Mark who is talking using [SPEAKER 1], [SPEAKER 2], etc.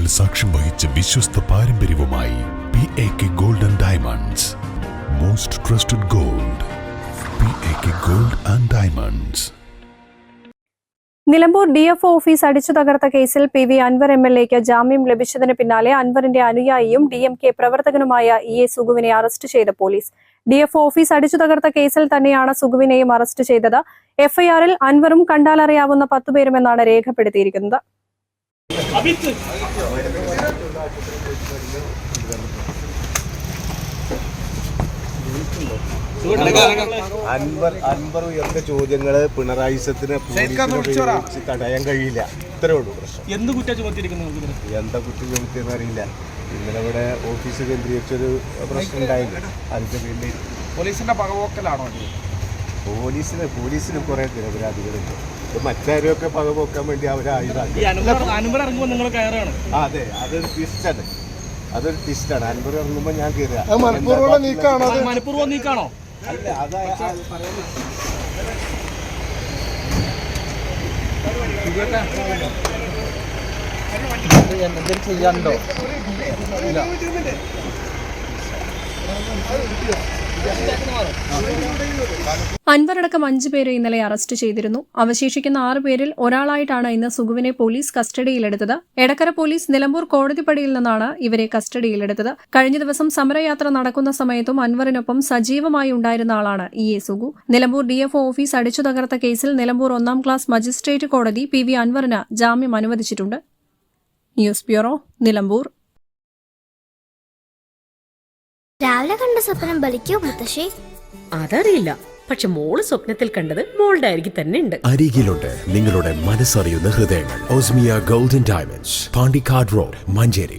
[SPEAKER 1] സാക്ഷ്യം വഹിച്ച വിശ്വസ്ത പാരമ്പര്യവുമായി PAK Gold and Diamonds. Most trusted gold. PAK Gold and Diamonds.
[SPEAKER 2] Nilambur DFO office അടിച്ചു തകർത്ത കേസിൽ PV അൻവർ MLAക്ക് ജാമ്യം ലഭിച്ചതിന് പിന്നാലെ അൻവറിന്റെ അനുയായിയും DMK പ്രവർത്തകനുമായ EA സുഗുവിനെ അറസ്റ്റ് ചെയ്ത പോലീസ്. DFO ഓഫീസ് അടിച്ചു തകർത്ത കേസിൽ തന്നെയാണ് സുഗുവിനെയും അറസ്റ്റ് ചെയ്തത്. FIR-ൽ അൻവറും കണ്ടാലറിയാവുന്ന 10 പേരുമെന്നാണ് രേഖപ്പെടുത്തിയിരിക്കുന്നത്.
[SPEAKER 3] അൻവർ ഉയർന്ന ചോദ്യങ്ങള് പിണറായി തടയാൻ കഴിയില്ല. ഇത്രേ ഉള്ളൂ പ്രശ്നം.
[SPEAKER 4] എന്താ കുറ്റം
[SPEAKER 3] ചുമത്തിയെന്ന് അറിയില്ല. ഇന്നലെ ഇവിടെ ഓഫീസ് കേന്ദ്രീകരിച്ചൊരു പ്രശ്നം ഉണ്ടായില്ല. അതിന്റെ പേരിൽ
[SPEAKER 4] പോലീസിന്റെ പകപോക്കലാണോ?
[SPEAKER 3] പോലീസിന് കുറെ നിരപരാധികളുണ്ട്. മറ്റാരെയൊക്കെ പകപോക്കാൻ വേണ്ടി അവരെ ആയുധാക്കി. അതെ, അതൊരു ട്വിസ്റ്റാണ്. അൻവർ ഇറങ്ങുമ്പോൾ ഞാൻ കയറുക.
[SPEAKER 4] മനഃപൂർവ്വം നീക്കാണോ?
[SPEAKER 3] അല്ല, അതാ
[SPEAKER 4] എന്തെങ്കിലും ചെയ്യാനുണ്ടോ?
[SPEAKER 2] അൻവറടക്കം 5 പേരെ ഇന്നലെ അറസ്റ്റ് ചെയ്തിരുന്നു. അവശേഷിക്കുന്ന 6 പേരിൽ ഒരാളായിട്ടാണ് ഇന്ന് സുഗുവിനെ പോലീസ് കസ്റ്റഡിയിലെടുത്തത്. എടക്കര പോലീസ് നിലമ്പൂർ കോടതിപ്പടിയിൽ നിന്നാണ് ഇവരെ കസ്റ്റഡിയിലെടുത്തത്. കഴിഞ്ഞ ദിവസം സമരയാത്ര നടക്കുന്ന സമയത്തും അൻവറിനൊപ്പം സജീവമായി ഉണ്ടായിരുന്ന ആളാണ് EA Sugu. Nilambur DFO office അടിച്ചു തകർത്ത കേസിൽ നിലമ്പൂർ 1ാം ക്ലാസ് മജിസ്ട്രേറ്റ് കോടതി PV അൻവറിന് ജാമ്യം അനുവദിച്ചിട്ടുണ്ട്. News bureau, Nilambur.
[SPEAKER 5] രാവിലെ കണ്ട സ്വപ്നം ബലിക്കോ മുത്തശ്ശി?
[SPEAKER 6] അതറിയില്ല, പക്ഷെ മോള് സ്വപ്നത്തിൽ കണ്ടത് മോളുടെ അരികിൽ തന്നെ ഉണ്ട്.
[SPEAKER 7] അരികിലുണ്ട് നിങ്ങളുടെ മനസ്സറിയുന്ന ഹൃദയങ്ങൾ. Osmiya golden diamonds, Pandikkad road, Manjeri.